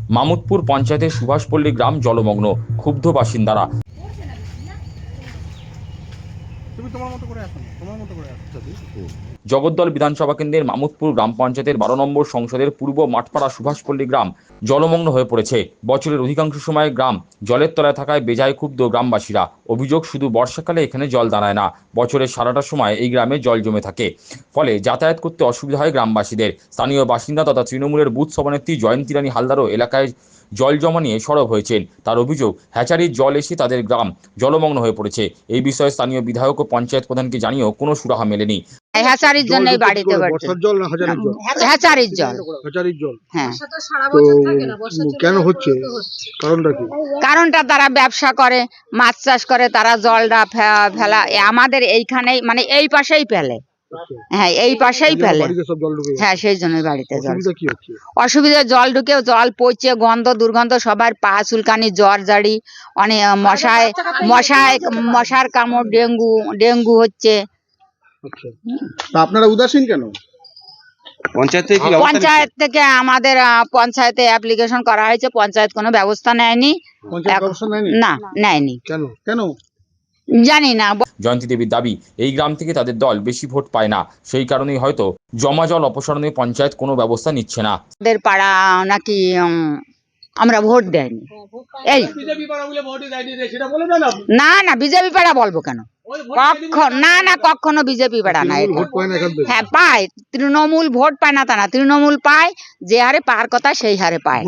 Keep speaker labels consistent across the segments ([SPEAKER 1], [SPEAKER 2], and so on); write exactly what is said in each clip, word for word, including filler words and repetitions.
[SPEAKER 1] মামুদপুর পঞ্চায়েতের সুভাষপল্লী গ্রাম জলমগ্ন, ক্ষুব্ধ বাসিন্দারা। জগদ্দল বিধানসভা কেন্দ্রের মামুদপুর গ্রাম পঞ্চায়েতের বারো নম্বর সংসদের পূর্ব মাঠপাড়া সুভাষপল্লী গ্রাম জলমগ্ন হয়ে পড়েছে। বছরের অধিকাংশ সময় গ্রাম জলের তলায় থাকায় বেজায় ক্ষুব্ধ গ্রামবাসীরা। অভিযোগ, শুধু বর্ষাকালে এখানে জল দাঁড়ায় না, বছরের সারাটা সময় এই গ্রামে জল জমে থাকে, ফলে যাতায়াত করতে অসুবিধা হয় গ্রামবাসীদের। স্থানীয় বাসিন্দা তথা তৃণমূলের বুথ সভানেত্রী জয়ন্তী রানী হালদারও এলাকায় জল জমা নিয়ে সরব হয়েছেন। তার অভিযোগ, হ্যাচারির জল এসে তাদের গ্রাম জলমগ্ন হয়ে পড়েছে। এই বিষয়ে স্থানীয় বিধায়ক ও পঞ্চায়েত প্রধানকে জানিয়েও কোনো সুরাহা মেলেনি।
[SPEAKER 2] হ্যাচারির জন্যই বাড়িতে
[SPEAKER 3] বর্ষার জল না হাজারির জল?
[SPEAKER 2] হ্যাচারির জল।
[SPEAKER 3] হাজারির জল,
[SPEAKER 2] হ্যাঁ।
[SPEAKER 3] তো কেন হচ্ছে, কারণটা কি?
[SPEAKER 2] কারণটা তারা ব্যবসা করে, মাছ চাষ করে, তারা জলটা ফেলা আমাদের এইখানেই, মানে এই পাশেই ফেলে। হ্যাঁ, এই পাশেই ফেলে। হ্যাঁ, সেই জন্যই বাড়িতে জল। অসুবিধা, জল ঢুকে জল পচে, গন্ধ দুর্গন্ধ, সবার পা চুলকানি, জ্বর জাড়ি, অনেক মশায় মশায় মশার কামড়, ডেঙ্গু ডেঙ্গু হচ্ছে।
[SPEAKER 3] আপনারা উদাসীন কেন?
[SPEAKER 2] পঞ্চায়েত থেকে আমাদের পঞ্চায়েতে অ্যাপ্লিকেশন করা হয়েছে, পঞ্চায়েত কোনো ব্যবস্থা নেয়নি। না, নেয়নি।
[SPEAKER 3] কেন কেন
[SPEAKER 2] জানি না।
[SPEAKER 1] জয়ন্তী দেবীর দাবি, এই গ্রাম থেকে তাদের দল বেশি ভোট পায় না, সেই কারণেই হয়তো জমা জল অপসারণে পঞ্চায়েত কোনো ব্যবস্থা নিচ্ছে না।
[SPEAKER 2] তাদের পাড়া নাকি আমরা ভোট দেয়নি। এই না না, বিজেপি পাড়া বলবো কেন? কখন না না, কখনো বিজেপি পাড়া নাই। হ্যাঁ, পায়, তৃণমূল ভোট পায় না তা না, তৃণমূল পায়, যে হারে পাওয়ার কথা সেই হারে পায়।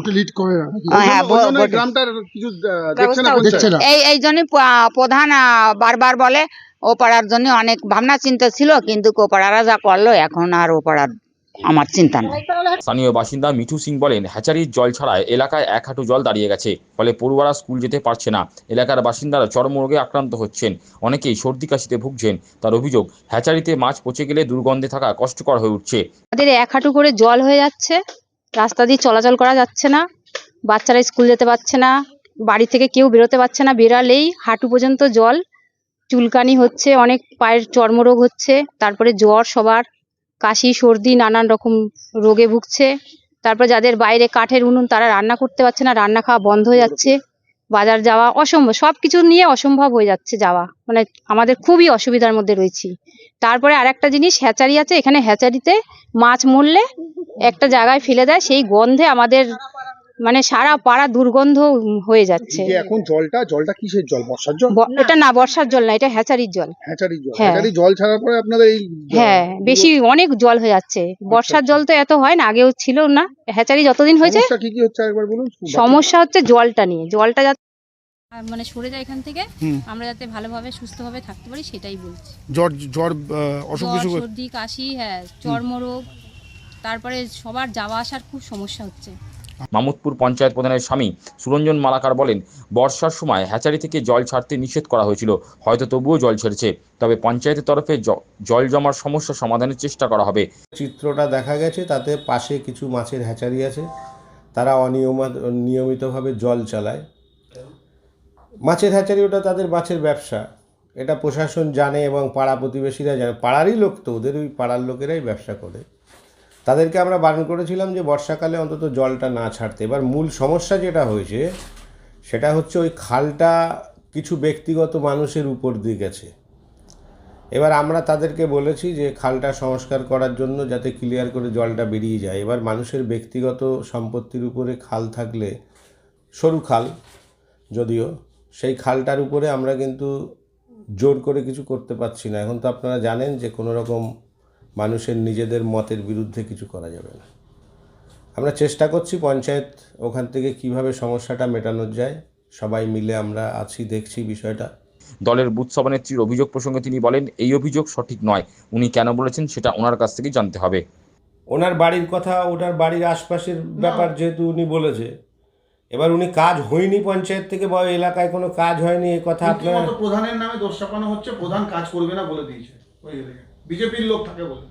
[SPEAKER 2] এই এই জন্যই প্রধান বারবার বলে, ও পাড়ার জন্য অনেক ভাবনা চিন্তা ছিল, কিন্তু ও পাড়ারা যা করলো, এখন আর ও পাড়ার আমার চিন্তা নেই।
[SPEAKER 1] স্থানীয় বাসিন্দা মিঠু সিং বলেন, হ্যাচারির জল ছাড়ায় এলাকায় এক হাঁটু জল দাঁড়িয়ে গেছে, ফলে পড়ুয়ারা স্কুল যেতে পারছে না। এলাকার বাসিন্দারা চর্মরোগে আক্রান্ত হচ্ছেন, অনেকেই সর্দি কাশিতে ভুগছেন। তার অভিযোগ, হ্যাচারিতে মাছ পচে গেলে দুর্গন্ধে থাকা কষ্টকর হয়ে উঠছে।
[SPEAKER 4] আমাদের এক হাঁটু করে জল হয়ে যাচ্ছে, রাস্তা দিয়ে চলাচল করা যাচ্ছে না, বাচ্চারা স্কুল যেতে পারছে না, বাড়ি থেকে কেউ বেরোতে পারছে না, বেরালেই হাঁটু পর্যন্ত জল, চুলকানি হচ্ছে, অনেক পায়ের চর্মরোগ হচ্ছে, তারপরে জ্বর, সবার কাশি সর্দি নানান রকম রোগে ভুগছে। তারপর যাদের বাইরে কাঠের উনুন, তারা রান্না করতে পারছে না, রান্না খাওয়া বন্ধ হয়ে যাচ্ছে, বাজার যাওয়া অসম্ভব, সব কিছু নিয়ে অসম্ভব হয়ে যাচ্ছে যাওয়া, মানে আমাদের খুবই অসুবিধার মধ্যে রয়েছি। তারপরে আর একটা জিনিস, হ্যাচারি আছে, এখানে হ্যাচারিতে মাছ মরলে একটা জায়গায় ফেলে দেয়, সেই গন্ধে আমাদের মানে সারা পাড়া দুর্গন্ধ হয়ে যাচ্ছে।
[SPEAKER 3] এখন জলটা জলটা কিসের জল? বর্ষার জল?
[SPEAKER 4] এটা না, বর্ষার জল না, এটা হ্যাচারির জল।
[SPEAKER 3] হ্যাচারির জল। হ্যাচারি জল ছাড়ার পরে আপনাদের এই
[SPEAKER 4] হ্যাঁ, বেশি অনেক জল হয়ে যাচ্ছে। বর্ষার জল তো এত হয় না, আগেও ছিল না। হ্যাচারি যতদিন হয়েছে,
[SPEAKER 3] সমস্যা কি কি হচ্ছে একবার বলুন।
[SPEAKER 4] সমস্যা হচ্ছে জলটা নিয়ে, জলটা যাতে
[SPEAKER 5] মানে সরে যায় এখান থেকে, আমরা যাতে ভালোভাবে সুস্থভাবে থাকতে পারি সেটাই বলছি।
[SPEAKER 3] জ্বর জ্বর অসুখ বিসুখ,
[SPEAKER 5] সর্দি কাশি, হ্যাঁ, চর্মরোগ, তারপরে সবার যাওয়া আসার খুব সমস্যা হচ্ছে।
[SPEAKER 1] মামুদপুর পঞ্চায়েত প্রধানের স্বামী সুরঞ্জন মালাকার বলেন, বর্ষার সময় হ্যাচারি থেকে জল ছাড়তে নিষেধ করা হয়েছিল, হয়তো তবুও জল ছেড়েছে, তবে পঞ্চায়েতের তরফে জল জমার সমস্যা সমাধানের চেষ্টা করা হবে।
[SPEAKER 6] চিত্রটা দেখা গেছে, তাতে পাশে কিছু মাছের হ্যাচারি আছে, তারা অনিয়মিত নিয়মিতভাবে জল চালায়। মাছের হ্যাচারি, ওটা তাদের মাছের ব্যবসা, এটা প্রশাসন জানে এবং পাড়া প্রতিবেশীরা জানে, পাড়ারই লোক তো, ওদের ওই পাড়ার লোকেরাই ব্যবসা করে। তাদেরকে আমরা বারণ করেছিলাম যে বর্ষাকালে অন্তত জলটা না ছাড়তে। এবার মূল সমস্যা যেটা হয়েছে সেটা হচ্ছে ওই খালটা কিছু ব্যক্তিগত মানুষের উপর দিয়ে গেছে। এবার আমরা তাদেরকে বলেছি যে খালটা সংস্কার করার জন্য যাতে ক্লিয়ার করে জলটা বেরিয়ে যায়। এবার মানুষের ব্যক্তিগত সম্পত্তির উপরে খাল থাকলে, সরু খাল যদিও, সেই খালটার উপরে আমরা কিন্তু জোর করে কিছু করতে পারছি না। এখন তো আপনারা জানেন যে কোনো রকম মানুষের নিজেদের মতের বিরুদ্ধে কিছু করা যাবে না। আমরা চেষ্টা করছি পঞ্চায়েত ওখান থেকে কিভাবে সমস্যাটা মেটানো যায়, সবাই মিলে আমরা আছি, দেখছি বিষয়টা।
[SPEAKER 1] দলের বুথ সভানেত্রীর অভিযোগ প্রসঙ্গে তিনি বলেন, এই অভিযোগ সঠিক নয়, উনি কেন বলেছেন সেটা ওনার কাছ থেকে জানতে হবে।
[SPEAKER 6] ওনার বাড়ির কথা, ওনার বাড়ির আশপাশের ব্যাপার যেহেতু উনি বলেছে, এবার উনি কাজ হয়নি পঞ্চায়েত থেকে বা এলাকায় কোনো কাজ হয়নি এই কথা আপনার
[SPEAKER 3] প্রধানের নামে দোষ চাপানো হচ্ছে, প্রধান কাজ করবে না বলে দিয়েছে, বিজেপির লোক থাকে বলে।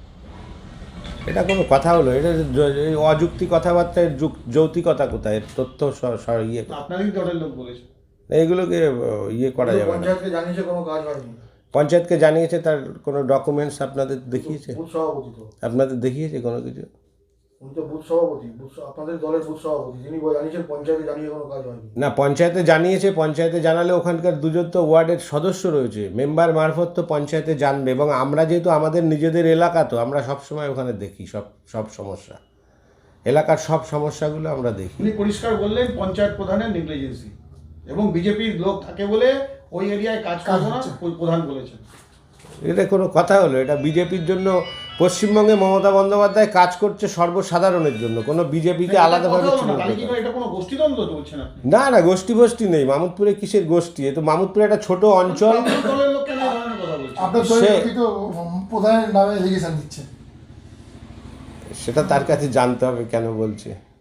[SPEAKER 6] এটা কোনো কথা হলো? এটা অযুক্তি কথাবার্তার যৌক্তিকতা কোথায়? তথ্য ইয়ে
[SPEAKER 3] আপনারই দলের লোক বলেছে,
[SPEAKER 6] এইগুলোকে ইয়ে করা যাবে না।
[SPEAKER 3] পঞ্চায়েতকে জানিয়েছে কোনো কাজ হয়নি,
[SPEAKER 6] পঞ্চায়েতকে জানিয়েছে, তার কোনো ডকুমেন্টস আপনাদের দেখিয়েছে? আপনাদের দেখিয়েছে কোনো কিছু?
[SPEAKER 3] উনি তো বুথ সভাপতি, বুথ স- আপনাদের দলের বুথ সভাপতি, যিনি জানিয়েছেন পঞ্চায়েতে জানিয়ে কোনো কাজ হয়নি।
[SPEAKER 6] না, পঞ্চায়েতে জানিয়েছে, পঞ্চায়েতে জানালে ওখানকার দুজন তো ওয়ার্ডের সদস্য রয়েছে, মেম্বার মারফত তো পঞ্চায়েতে জানবে, এবং আমরা যেহেতু আমাদের নিজেদের এলাকা, তো আমরা সব সময় ওখানে দেখি সব সব সমস্যা, এলাকার সব সমস্যাগুলো আমরা দেখি।
[SPEAKER 3] উনি পরিষ্কার বললেন পঞ্চায়েত প্রধানের নেগলিজেন্সি এবং বিজেপির লোক থাকে বলে ওই এরিয়ায় কাজ করবো না, ওই প্রধান বলেছেন।
[SPEAKER 6] এটা কোনো কথা হলো? এটা বিজেপির জন্য, পশ্চিমবঙ্গে মমতা বন্দ্যোপাধ্যায় কাজ করছে সর্বসাধারণের জন্য, কোনো বিজেপিকে আলাদাভাবে
[SPEAKER 3] কথা হলো না,
[SPEAKER 6] চিহ্নিত
[SPEAKER 3] তাহলে কি
[SPEAKER 6] করে।
[SPEAKER 3] করে এটা কোনো গোষ্ঠীদ্বন্দ্ব তো বলছেন আপনি?
[SPEAKER 6] না না, গোষ্ঠী গোষ্ঠী নেই মামুদপুরে, কিসের গোষ্ঠী? এ তো মামুদপুরে একটা ছোট অঞ্চল।
[SPEAKER 3] আপনার দলের লোক কেন এই ধরনের কথা বলছেন?
[SPEAKER 7] আপনার
[SPEAKER 6] সে-
[SPEAKER 7] দলের লোকই তো প্রধানের নামে এলিগেশন দিচ্ছে।
[SPEAKER 6] সেটা তার কাছে জানতে হবে কেন বলছে।